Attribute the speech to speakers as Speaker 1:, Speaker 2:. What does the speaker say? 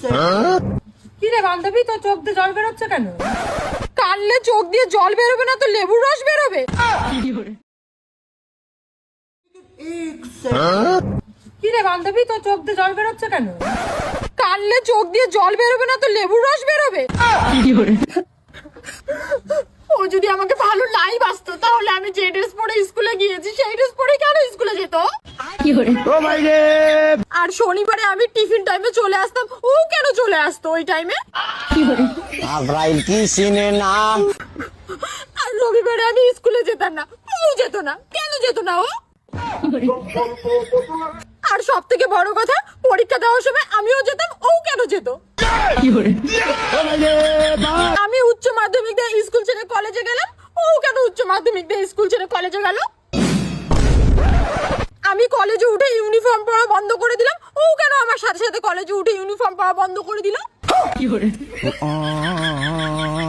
Speaker 1: কি রে বান্ধবী, তোর চোখ দিয়ে জল বেরোচ্ছে কেন? কানলে চোখ দিয়ে জল বেরোবে না তো লেবুর রস বেরোবে। কি রে বান্ধবী, তোর চোখ দিয়ে জল বেরোচ্ছে কেন? কানলে চোখ দিয়ে জল বেরোবে না তো লেবুর রস বেরোবে। ও যদি আমাকে ভালো নাই বাসতো তাহলে আমি যে ড্রেস পরে স্কুলে গিয়েছি সেই ড্রেস পরে কেন স্কুলে যেত? আর শনিবারে আমি টিফিন টাইমে চলে আসতাম, ও কেন চলে আসতো ওই টাইমে?
Speaker 2: আব্রাইল কি চিনে না?
Speaker 1: আর রবিবারে আমি স্কুলে যেতাম না, ও যেত না, কেন যেত না ও? আর সব থেকে বড় কথা, পরীক্ষা দেওয়ার সময় আমিও যেতাম, ও কেন যেত? আমি উচ্চ মাধ্যমিক দিয়ে স্কুল ছেড়ে কলেজে গেলাম, ও কেন উচ্চ মাধ্যমিক দিয়ে স্কুল ছেড়ে কলেজে গেল? আমি কলেজে উঠে ইউনিফর্ম পরা বন্ধ করে দিলাম, ও কেন আমার সাথে সাথে কলেজে উঠে ইউনিফর্ম পরা বন্ধ করে দিল?